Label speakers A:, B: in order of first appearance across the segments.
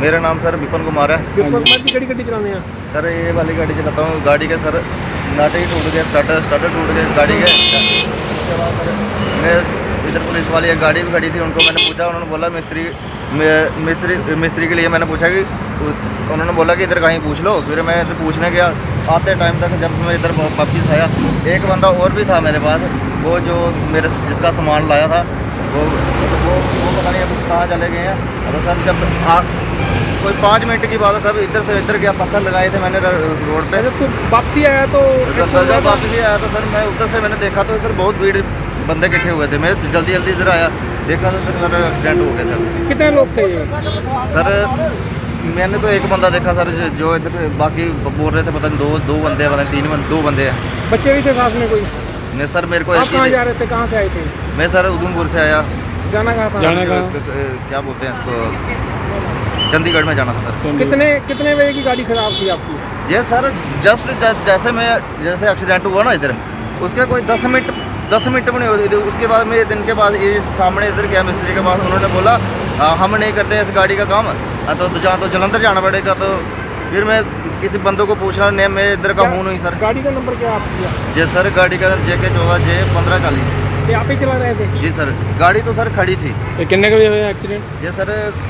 A: मेरा नाम सर विपिन कुमार है।
B: विपिन कुमार जी किहड़ी गड्डी चलाते हैं?
A: सर ये वाली गाड़ी चलाता हूँ। गाड़ी के सर नाटे ही टूट गए, स्टार्टर टूट गए गाड़ी के। उसके बाद सर मैं इधर पुलिस वाली एक गाड़ी भी खड़ी थी, उनको मैंने पूछा, उन्होंने बोला मिस्त्री के लिए मैंने पूछा कि उन्होंने बोला कि इधर कहीं पूछ लो। फिर मैं इधर पूछने गया, आते टाइम तक जब मैं इधर वापस आया एक बंदा और भी था मेरे पास, वो जो मेरे जिसका सामान लाया था वो पता नहीं अब कहाँ चले गए हैं। और सर जब कोई 5 मिनट की बात है, सब इधर से इधर गया, पत्थर लगाए थे मैंने रोड पे।
B: तो वापसी आया तो
A: जब वापसी आया तो सर मैं उधर से मैंने देखा तो इधर बहुत भीड़ बंदे इकट्ठे हुए थे। मैं जल्दी इधर आया, देखा तो सर एक्सीडेंट हो गया था।
B: कितने लोग थे ये?
A: सर मैंने तो एक बंदा देखा सर, जो इधर बाकी बोल रहे थे पता नहीं दो बंदे, पता नहीं 2 बंदे हैं।
B: बच्चे भी थे साथ में कोई?
A: नहीं सर मेरे को
B: आप कहाँ जा रहे थे, कहाँ से आए थे?
A: मैं सर उधमपुर से आया।
B: जाना कहाँ था?
A: क्या बोलते हैं इसको, चंडीगढ़ में जाना था सर।
B: कितने बजे की गाड़ी खराब थी आपकी?
A: ये सर जस्ट जैसे एक्सीडेंट हुआ ना इधर, उसके कोई 10 मिनट में नहीं हुई। उसके बाद मैं दिन के बाद ये सामने इधर गया मिस्त्री के पास, उन्होंने बोला हम नहीं करते इस गाड़ी का काम, तो जहाँ तो जलंधर जाना पड़ेगा। तो फिर मैं किसी बंदों को पूछना, नहीं मैं इधर का हूँ नहीं सर।
B: गाड़ी का नंबर क्या आपका?
A: जी सर गाड़ी का JK 14J 1540।
B: ये आप ही चला रहे थे?
A: जी सर गाड़ी तो सर खड़ी थी।
B: ये कितने बजे हुआ एक्सीडेंट?
A: ये सर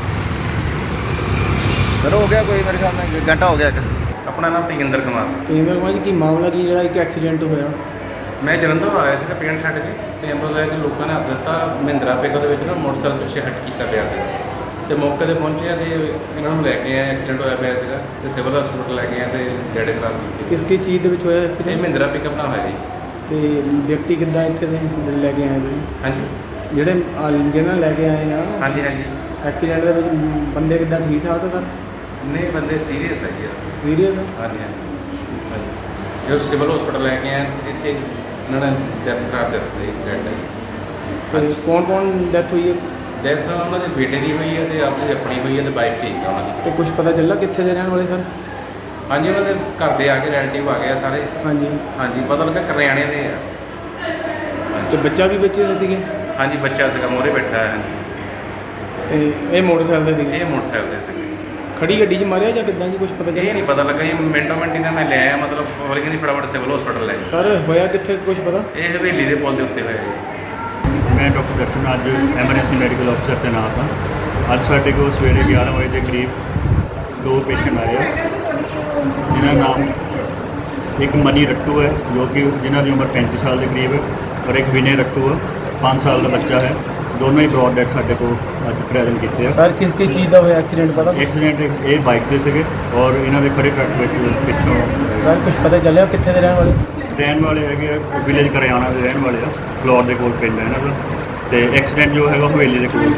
A: हो गया कोई मेरे ख्याल में घंटा हो गया।
C: ਆਪਣਾ ਨਾਮ ਤੇਜਿੰਦਰ ਕੁਮਾਰ।
B: ਤੇਜਿੰਦਰ ਕੁਮਾਰ ਜੀ ਕੀ ਮਾਮਲਾ ਕੀ ਜਿਹੜਾ ਇੱਕ ਐਕਸੀਡੈਂਟ ਹੋਇਆ?
C: ਮੈਂ ਜਲੰਧਰ ਆ ਰਿਹਾ ਸੀਗਾ ਪੇਂਟ ਛੱਡ ਕੇ, ਤੇ ਐਂਬੂਲੈਂਸ ਦੇ ਲੋਕਾਂ ਨੇ ਹੱਥ ਦਿੱਤਾ ਮਹਿੰਦਰਾ ਪਿਕਅਪ ਦੇ ਵਿੱਚ ਨਾ ਮੋਟਰਸਾਈਕਲ ਪਿੱਛੇ ਹਟ ਕੀਤਾ ਪਿਆ ਸੀ, ਤੇ ਮੌਕੇ ਤੇ ਪਹੁੰਚੇ ਆ ਤੇ ਇਹਨਾਂ ਨੂੰ ਲੈ ਕੇ ਆਏ। ਐਕਸੀਡੈਂਟ ਹੋਇਆ ਪਿਆ ਸੀਗਾ ਤੇ ਸਿਵਲ ਹਸਪੀਟਲ ਲੈ ਕੇ ਆਏ ਤੇ ਡੈਡ ਖਰਾਬ ਕੀਤੀ।
B: ਕਿਸ ਕਿਸ ਚੀਜ਼ ਦੇ ਵਿੱਚ ਹੋਇਆ
C: ਇਹ
B: ਐਕਸੀਡੈਂਟ?
C: ਮਹਿੰਦਰਾ ਪਿਕਅਪ ਨਾਲ ਹੋਇਆ ਜੀ।
B: ਤੇ ਵਿਅਕਤੀ ਕਿੱਦਾਂ ਇੱਥੇ ਦੇ ਲੈ ਕੇ ਆਏ ਤੁਸੀਂ?
C: ਹਾਂਜੀ
B: ਜਿਹਨਾਂ ਲੈ ਕੇ ਆਏ ਆ
C: ਹਾਂਜੀ ਹਾਂਜੀ।
B: ਐਕਸੀਡੈਂਟ ਦੇ ਵਿੱਚ ਬੰਦੇ ਕਿੱਦਾਂ ਠੀਕ ਠਾਕ ਆ ਸਰ?
C: ਨਹੀਂ ਬੰਦੇ ਸੀਰੀਅਸ ਹੈ ਜੀ।
B: ਸੀਰੀਅਸ ਆ?
C: ਹਾਂਜੀ ਹਾਂਜੀ। ਇਹ ਸਿਵਲ ਹਸਪੀਟਲ ਲੈ ਕੇ ਆਏ, ਇੱਥੇ ਇਹਨਾਂ ਨੇ ਡੈਥ ਖਰਾਬ ਦਿੱਤੀ ਡੈਡ ਹੈ।
B: ਤੇ ਕੌਣ ਡੈਥ ਹੋਈ ਹੈ?
C: ਡੈਥ ਉਹਨਾਂ ਦੇ ਬੇਟੇ ਦੀ ਹੋਈ ਹੈ ਤੇ ਆਪਣੀ ਹੋਈ ਹੈ ਤੇ ਵਾਈਫ ਠੀਕ ਹੈ ਉਹਨਾਂ ਦੀ।
B: ਤੇ ਕੁਝ ਪਤਾ ਚੱਲਾ ਕਿੱਥੇ ਦੇ ਰਹਿਣ ਵਾਲੇ ਸਰ?
C: ਹਾਂਜੀ ਉਹਨਾਂ ਦੇ ਘਰ ਦੇ ਆ ਕੇ ਰਿਲੇਟਿਵ ਆ ਗਏ ਆ ਸਾਰੇ।
B: ਹਾਂਜੀ
C: ਹਾਂਜੀ ਪਤਾ ਲੱਗਾ ਕਰਿਆਣੇ ਦੇ ਆ।
B: ਤੇ ਬੱਚਾ ਵੀ ਵਿੱਚ ਸੀਗੇ?
C: ਹਾਂਜੀ ਬੱਚਾ ਸੀਗਾ ਮੋਰੇ ਬੈਠਾ ਹੈ। ਹਾਂਜੀ
B: ਤੇ ਇਹ ਮੋਟਰਸਾਈਕਲ ਦੇ ਸੀਗੇ?
C: ਇਹ ਮੋਟਰਸਾਈਕਲ ਦੇ ਸੀਗੇ।
B: ਖੜੀ ਗੱਡੀ 'ਚ ਮਾਰਿਆ ਜਾਂ ਕਿੱਦਾਂ ਜੀ, ਕੁਝ ਪਤਾ
C: ਇਹ
B: ਚੱਲਿਆ?
C: ਨਹੀਂ ਪਤਾ ਲੱਗਾ ਜੀ, ਮਿੰਟੋ ਮਿੰਟ ਇਹਨਾਂ ਮੈਂ ਲੈ ਆਇਆ, ਮਤਲਬ ਪਬਲਿਕ ਦੀ ਫਟਾਫਟ ਸਿਵਲ ਹਸਪੀਟਲ ਲੈ ਗਏ।
B: ਸਰ ਹੋਇਆ ਕਿੱਥੇ ਕੁਝ ਪਤਾ?
C: ਇਹ ਹਵੇਲੀ ਦੇ ਪੁਲ ਦੇ ਉੱਤੇ ਹੋਇਆ ਜੀ।
D: ਮੈਂ ਡਾਕਟਰ ਦਰਸ਼ਨ ਅੱਜ ਐਮਰਜੈਂਸੀ ਮੈਡੀਕਲ ਅਫਸਰ ਤੈਨਾਤ ਹਾਂ। ਅੱਜ ਸਾਡੇ ਕੋਲ ਸਵੇਰੇ 11 ਵਜੇ ਦੇ ਕਰੀਬ 2 ਪੇਸ਼ੈਂਟ ਆਏ ਆ, ਜਿਨ੍ਹਾਂ ਦਾ ਨਾਮ ਇੱਕ ਮਨੀ ਰੱਟੂ ਹੈ ਜੋ ਕਿ ਜਿਨ੍ਹਾਂ ਦੀ ਉਮਰ 35 ਸਾਲ ਦੇ ਕਰੀਬ ਹੈ, ਔਰ ਇੱਕ ਵਿਨੇ ਰੱਟੂ ਹੈ 5 ਸਾਲ ਦਾ ਬੱਚਾ ਹੈ। ਦੋਨੋਂ ਹੀ ਬਰੋਡ ਡੈਥ ਸਾਡੇ ਕੋਲ ਅੱਜ ਪ੍ਰੈਜ਼ੈਂਟ ਕੀਤੇ ਆ।
B: ਸਰ ਕਿਸ ਚੀਜ਼ ਦਾ ਹੋਇਆ ਐਕਸੀਡੈਂਟ ਪਤਾ?
D: ਐਕਸੀਡੈਂਟ ਇਹ ਬਾਈਕ 'ਤੇ ਸੀਗੇ ਔਰ ਇਹਨਾਂ ਦੇ ਖੜੇ ਟਰੱਕ ਵਿੱਚ ਪਿੱਛੋਂ
B: ਸਰ ਕੁਝ ਪਤਾ ਚੱਲਿਆ ਕਿੱਥੇ ਦੇ ਰਹਿਣ ਵਾਲੇ?
D: ਰਹਿਣ ਵਾਲੇ ਹੈਗੇ ਆ ਵਿਲੇਜ ਕਰਿਆਣਾ ਦੇ ਰਹਿਣ ਵਾਲੇ ਆ, ਫਲੋਰ ਦੇ ਕੋਲ ਪਿੰਡ ਹੈ ਇਹਨਾਂ ਦਾ, ਤੇ ਐਕਸੀਡੈਂਟ ਜੋ ਹੈਗਾ ਹਵੇਲੀ ਦੇ ਕੋਲ।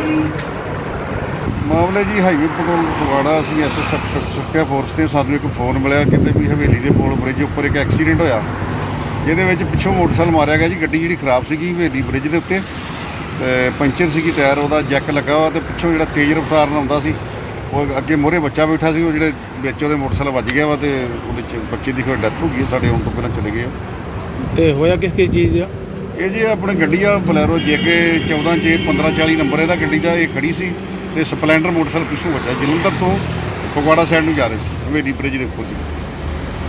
E: ਮਾਮਲਾ ਜੀ ਹਾਈਵੇ ਪੈਟਰੋਲ ਫਗਵਾੜਾ, ਅਸੀਂ SSF ਸੁਰੱਖਿਆ ਫੋਰਸ ਤੇ ਸਾਨੂੰ ਇੱਕ ਫੋਨ ਮਿਲਿਆ ਕਿਤੇ ਵੀ ਹਵੇਲੀ ਦੇ ਪੁਲ ਬ੍ਰਿਜ ਉੱਪਰ ਇੱਕ ਐਕਸੀਡੈਂਟ ਹੋਇਆ, ਜਿਹਦੇ ਵਿੱਚ ਪਿੱਛੋਂ ਮੋਟਰਸਾਈਕਲ ਮਾਰਿਆ ਗਿਆ ਜੀ। ਗੱਡੀ ਜਿਹੜੀ ਖਰਾਬ ਸੀਗੀ ਹਵੇਲੀ ਬ੍ਰਿਜ ਦੇ ਉੱਤੇ, ਤੇ ਪੰਚਰ ਸੀਗੀ, ਟਾਇਰ ਉਹਦਾ ਜੈਕ ਲੱਗਾ ਵਾ, ਤੇ ਪਿੱਛੋਂ ਜਿਹੜਾ ਤੇਜ਼ ਰਫ਼ਤਾਰ ਨਾਲ ਆਉਂਦਾ ਸੀ ਉਹ ਅੱਗੇ ਮੋਹਰੇ ਬੱਚਾ ਬੈਠਾ ਸੀ, ਉਹ ਜਿਹੜੇ ਵਿੱਚ ਉਹਦੇ ਮੋਟਰਸਾਈਕਲ ਵੱਜ ਗਿਆ ਵਾ, ਤੇ ਉਹਦੇ 'ਚ ਬੱਚੇ ਦੀ ਕੋਈ ਡੈਥ ਹੋ ਗਈ। ਸਾਡੇ ਆਉਣ ਤੋਂ ਪਹਿਲਾਂ ਚਲੇ ਗਏ ਆ।
B: ਤੇ ਹੋਇਆ ਕਿਸ ਚੀਜ਼ ਆ?
E: ਇਹ ਜੀ ਆਪਣੇ ਗੱਡੀ ਆ ਬਲੈਰੋ JK 14J 1540 ਨੰਬਰ ਇਹਦਾ ਗੱਡੀ ਦਾ, ਇਹ ਖੜੀ ਸੀ ਤੇ ਸਪਲੈਂਡਰ ਮੋਟਰਸਾਈਕਲ ਪਿੱਛੋਂ ਵੱਜਾ। ਜਲੰਧਰ ਤੋਂ ਫਗਵਾੜਾ ਸਾਈਡ ਨੂੰ ਜਾ ਰਹੇ ਸੀ ਹਵੇਲੀ ਬ੍ਰਿਜ ਦੇ ਉੱਪਰ ਜੀ।